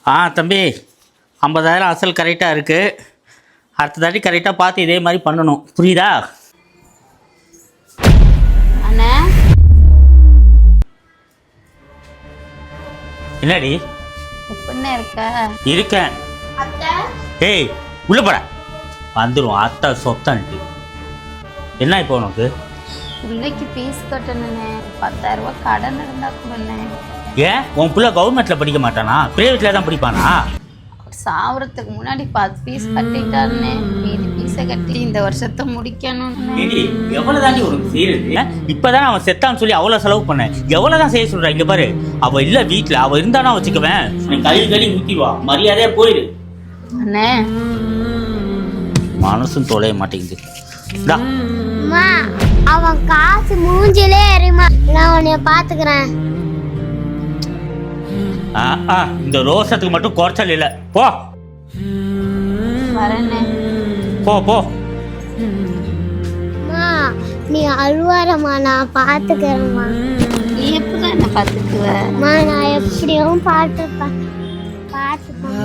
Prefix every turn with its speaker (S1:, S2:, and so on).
S1: தம்பி 50,000 அசல் கரெக்டாக இருக்குது. அடுத்த தாட்டி கரெக்டாக பார்த்து இதே மாதிரி பண்ணணும், புரியுதா?
S2: அண்ணே
S1: என்னடி
S2: எப்படிண்ணே இருக்க?
S1: இருக்கேன்.
S2: அத்தை
S1: ஏய் உள்ள போட வந்துடும் அத்தை சொத்தன்ட்டு. என்ன இப்போ உனக்கு?
S2: பிள்ளைக்கு ஃபீஸ் கட்டணுண்ணே, 10,000 ரூபாய் கடன் இருந்தா கொடுண்ணே.
S1: ஏன் உன் பிள்ளை கவர்மெண்ட்டில் படிக்க மாட்டானா? ப்ரைவேட்டில் தான் படிப்பானா?
S2: அவர் சாவறதுக்கு முன்னாடி 10 ஃபீஸ் கட்டிட்டாருண்ணே. மீதி ஃபீஸை கட்டி இந்த வருஷத்தை முடிக்கணும்ண்ணே.
S1: எவ்வளோ தாண்டி உனக்கு செய்யறது? இப்போதான் அவன் செத்தான்னு சொல்லி அவ்வளோ செலவு பண்ணேன். எவ்வளோ தான் செய்ய சொல்கிறேன்? இங்கே பாரு, அவள் இல்லை வீட்டில், அவள் இருந்தானா வச்சுக்குவேன். நீ கழுவி ஊற்றிடுவா, மரியாதையாக போயிடு.
S2: அண்ணே
S1: மனசும் தொலைய மாட்டேங்குது.
S3: அவன் காசு மூஞ்சிலே எறிமா, நான் உன்னைய பாத்துக்கிறேன்.
S1: இந்த ரோசத்துக்கு மட்டும் குறைச்சல் இல்லை. போ
S2: வரேண்ணே.
S1: போ போ.
S3: நீ அழுவாரம்மா, நான் பாத்துக்கிறேம்மா.
S2: நீ எப்பதான் என்ன பாத்துக்குவ?
S3: நான் எப்படியும் பாத்துப்பேன்.